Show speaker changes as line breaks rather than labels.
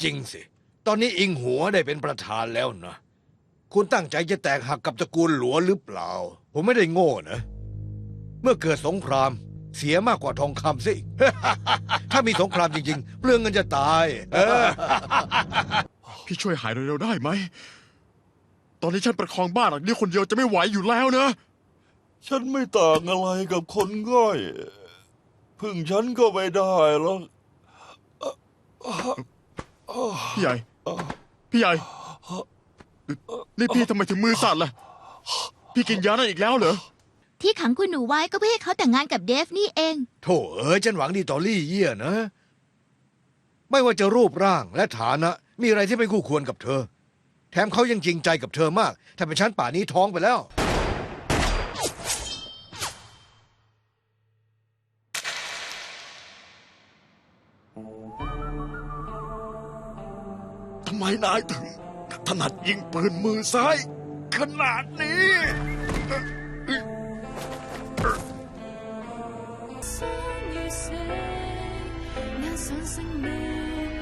จริงสิตอนนี้อิงหัวได้เป็นประธานแล้วนะคุณตั้งใจจะแตกหักกับตระกูลหลวหรือเปล่าผมไม่ได้โง่นะเมื่อเกิดสงครามเสียมากกว่าทองคำสิ ถ้ามีสงครามจริงๆเปลืองเงินจะตาย
พี่ช่วยหายเร็วๆได้ไหมตอนนี้ฉันประคองบ้านหลังนี้คนเดียวจะไม่ไหวอยู่แล้วนะ
ฉันไม่ต่างอะไรกับคนง่อยพึ่งฉันก็ไม่ได้หรอก
พี่ใหญ่พี่ใหญ่นี่พี่ทำไมถึงมือสั่นล่ะพี่กินยานั่นอีกแล้วเหรอ
ที่ขังคุณหนูไว้ก็เพื่อให้เขาแต่งงานกับเดฟนี่เอง
โธ่ฉันหวังดีต่อลี่เยี่ยนะ ไม่ว่าจะรูปร่างและฐานะ มีอะไรที่ไม่คู่ควรกับเธอ แถมเขายังจริงใจกับเธอมาก ถ้าเป็นฉันป่านนี้ท้องไปแล้ว
ทำไมนายถึงถนัดยิงปืนมือซ้ายขนาดนี้
生與死，也想生命